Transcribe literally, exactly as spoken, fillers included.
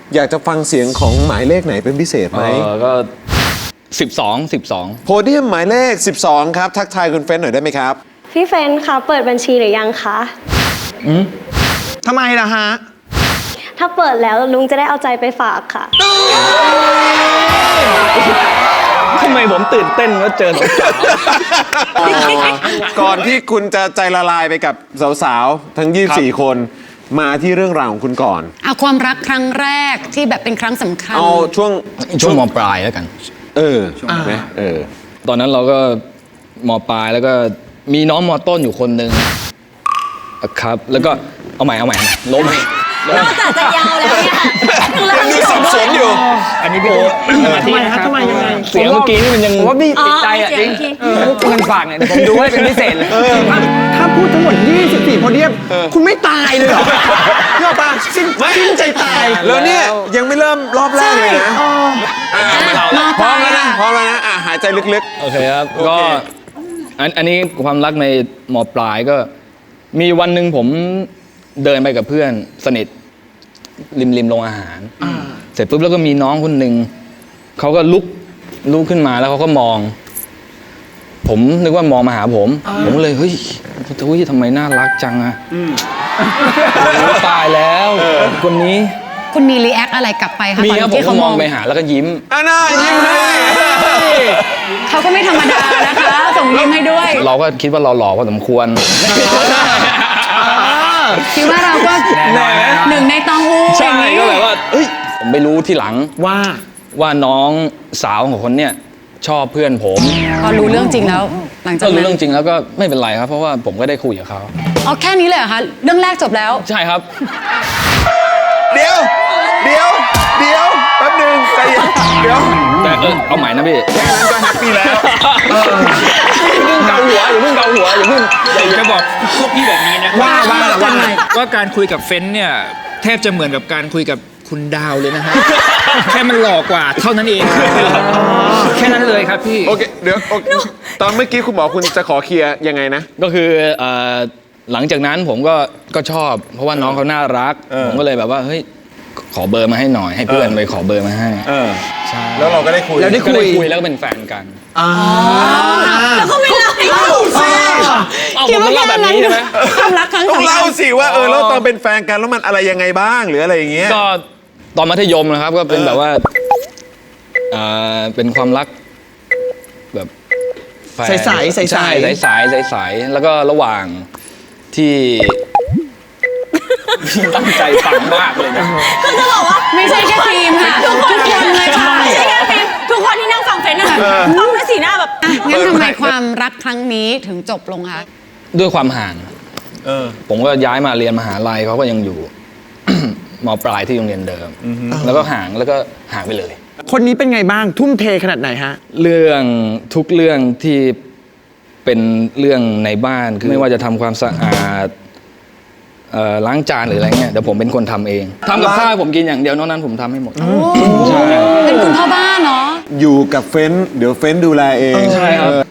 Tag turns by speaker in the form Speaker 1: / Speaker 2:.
Speaker 1: อยากจะฟังเสียงของหมายเลขไหนเป็นพิเศษไหม
Speaker 2: เออก็สิบสองสิบสอง
Speaker 1: โพเดียมหมายเลขสิบสองครับทักทายคุณเฟรนหน่อยได้ไหมครับ
Speaker 3: พี่เฟรนคะเปิดบัญชีหรือยังคะ
Speaker 4: ทำไมล่ะฮะ
Speaker 3: ถ้าเปิดแล้วลุงจะได้เอาใจไปฝากค่ะ
Speaker 2: ทำไมผมตื่นเต้นว่าเจอสาว
Speaker 1: ก่อนที่คุณจะใจละลายไปกับสาวๆ ทั้ง ยี่สิบสี่ คน มาที่เรื่องราวของคุณก่อน
Speaker 5: เอาความรักครั้งแรกที่แบบเป็นครั้งสำคัญ
Speaker 1: เอาช่วง
Speaker 2: ๆช่วงมปลายแล้วกัน
Speaker 1: เออไหมเออ
Speaker 2: ตอนนั้นเราก็มปลายแล้วก็มีน้องมต้นอยู่คนหนึ่งครับ แล้วก็เอาใหม่เอาใหม่ล้ม
Speaker 3: นอกจากจะยาวแล้วเนี่ยเริ่ม
Speaker 1: มีสับสนอยู่
Speaker 6: อันนี้พี่โอ๊ตสมาธินะครับ
Speaker 4: ทำไมยังไง
Speaker 2: เสียงเมื่อกี้นี่มันยัง
Speaker 6: ผมว่าพี่
Speaker 3: อ๋อ
Speaker 6: ติดใจอ่ะ
Speaker 3: เสี
Speaker 6: จ
Speaker 3: ย
Speaker 6: ริ
Speaker 3: ง
Speaker 6: ง
Speaker 3: ที่
Speaker 6: เงินฝากเนี่ยเดี๋ยวผมดูให้เป็นพิเศษเลย
Speaker 4: ถ้าถ้าพูดทั้งหมด ยี่สิบสี่ โพเดียม คุณไม่ตายเลยเหรอเชื่อป่ะสิ้นสิ้นใจตาย
Speaker 1: แล้วเนี่ยยังไม่เริ่มรอบแรกเลยนะอ่ะพร้อมแล้วนะพร้อมแล้วนะอ่ะหายใจลึก
Speaker 2: โอเคครับ
Speaker 1: โอเค
Speaker 2: ก็อันอันนี้ความรักในมปลายก็ มีวันหนึ่งผมเดินไปกับเพื่อนสนิทริมริมโรงอาหาร เสร็จปุ๊บแล้วก็มีน้องคนหนึ่งเขาก็ลุกลุกขึ้นมาแล้วเขาก็มอง ผมนึกว่ามองมาหาผม ผมก็เลยเฮ้ยเฮ้ยทำไมน่ารักจังอะโอ้ตายแล้วคนนี้
Speaker 5: คุณมีรีแอคอะไรกลับไปคะ
Speaker 2: มี
Speaker 5: ตอน
Speaker 2: ครับผม
Speaker 5: ที่
Speaker 2: ก็
Speaker 5: เขา
Speaker 2: ม
Speaker 5: ม
Speaker 2: อ
Speaker 5: อง ง
Speaker 2: ไปหาแล้วก็ยิ้ม
Speaker 1: ๆอ่ะน่ายิ้มให้
Speaker 5: เขาก็ไม่ธรรมดานะคะ ส่งยิ้มให้ด้วย
Speaker 2: เราก็คิดว่าเราหล่อพอสมควร
Speaker 5: คิดว่าเราก็หนึ่งในตองอูอ
Speaker 2: ใช่
Speaker 5: ย่างนี้
Speaker 2: ก็แบบว่าเฮ้ยผมไปรู้ที่หลัง
Speaker 4: ว่า
Speaker 2: ว่าน้องสาวของคนเนี่ยชอบเพื่อนผม
Speaker 5: พอรู้เรื่องจริงแล้ว หลังจาก
Speaker 2: ก็รู้
Speaker 5: นั้น
Speaker 2: เรื่องจริงแล้วก็ไม่เป็นไรครับ เพราะว่าผมก็ได้คุยกับเขา
Speaker 5: อ๋อแค่นี้เลยเหรอคะเรื่องแรกจบแล้ว
Speaker 2: ใช่ครับ
Speaker 1: เดี๋ยว เดี๋ยว เดี๋ยวแป๊บหนึงใจเย็นเดี๋ยว
Speaker 2: แต่เออเอาใหม่นะพี่
Speaker 1: แค่นั้นก็แฮปปี้แล้ว
Speaker 2: อย่าเพิ่งเกาหัวอย่าเพิ่งเกาหัวอย่าเพิ่ง
Speaker 6: อยากจะบอกพวกพี่แบบนี้นะ
Speaker 4: ว่าว่าว่า
Speaker 6: ว่าการคุยกับเฟ้นเนี่ยแทบจะเหมือนกับการคุยกับคุณดาวเลยนะฮะ แค่มันหล่อกว่าเท่านั้นเองแค่นั้นเลยครับพี่
Speaker 1: โอเค เดี๋ยวโอเคตอนเมื่อกี้คุณบอกคุณจะขอเคลียร์ยังไงนะ
Speaker 2: ก็คือเอ่อหลังจากนั้นผมก็ก็ชอบ เพราะว่าน้องเขาน่ารัก
Speaker 1: เออ
Speaker 2: ผมก็เลยแบบว่าเฮ้ยขอเบอร์มาให้หน่อย ให้เพื่อน
Speaker 1: เออ
Speaker 2: ไปขอเบอร์มาให้
Speaker 1: เออ
Speaker 2: ใช่
Speaker 1: แล้วเราก็ได้คุย
Speaker 4: แล้วได้
Speaker 2: ก็เลยคุยแล้วก็เป็นแฟนกัน
Speaker 3: แล้วก็ไม่เล่าให้เรา
Speaker 2: เอาผมต้องเล่าแบบนี้ใช่ไหม
Speaker 5: ความรักครั้ง
Speaker 1: ต้อง
Speaker 5: สำคั
Speaker 1: เล่า
Speaker 5: ญ
Speaker 1: สิว่าเออแล้วตอนเป็นแฟนกันแล้วมันอะไรยังไงบ้างหรืออะไรอย่างเงี้ย
Speaker 2: ก็ตอนมัธยมนะครับก็เป็น
Speaker 1: เออ
Speaker 2: แบบว่าเอ่อเป็นความรักแบบแฟน
Speaker 4: ใสๆใสๆ
Speaker 2: ใช่ใสๆใสๆแล้วก็ระหว่างที่ ตั้งใจฟังมากเลยนะ
Speaker 5: ไม่ใช่แค่ทีมค่ะทุกคนเลยค่ะ
Speaker 3: ไม่ใช่แค่ฟิล์มทุกคนที่นั่งฟังเฟรนนะคะฟังด้วยสีหน้าแบบ
Speaker 5: อ่ะงั้นทำไมความรักครั้งนี้ถึงจบลงคะ
Speaker 2: ด้วยความห่าง
Speaker 1: เออ
Speaker 2: ผมก็ย้ายมาเรียนมหาลัยเขาก็ยังอยู่ มปลายที่โรงเรียนเดิม แล้วก็ห่างแล้วก็ห่างไปเลย
Speaker 4: คนนี้เป็นไงบ้าง ทุ่มเทขนาดไหนฮะ
Speaker 2: เรื่องทุกเรื่องที่เป็นเรื่องในบ้านคือไม่ว่าจะทำความสะอาดเอ่อล้างจานหรืออะไรเงี้ยเดี๋ยวผมเป็นคนทำเองทำกับข้าวให้ผมกินอย่างเดียวนอกนั้นผมทำให้หมดใช่
Speaker 5: เป็นคุณพ่อบ้านเนาะ
Speaker 1: อยู่กับเฟ้นเดี๋ยวเฟ้นดูแลเอง
Speaker 2: ใช่ครับ
Speaker 1: เออ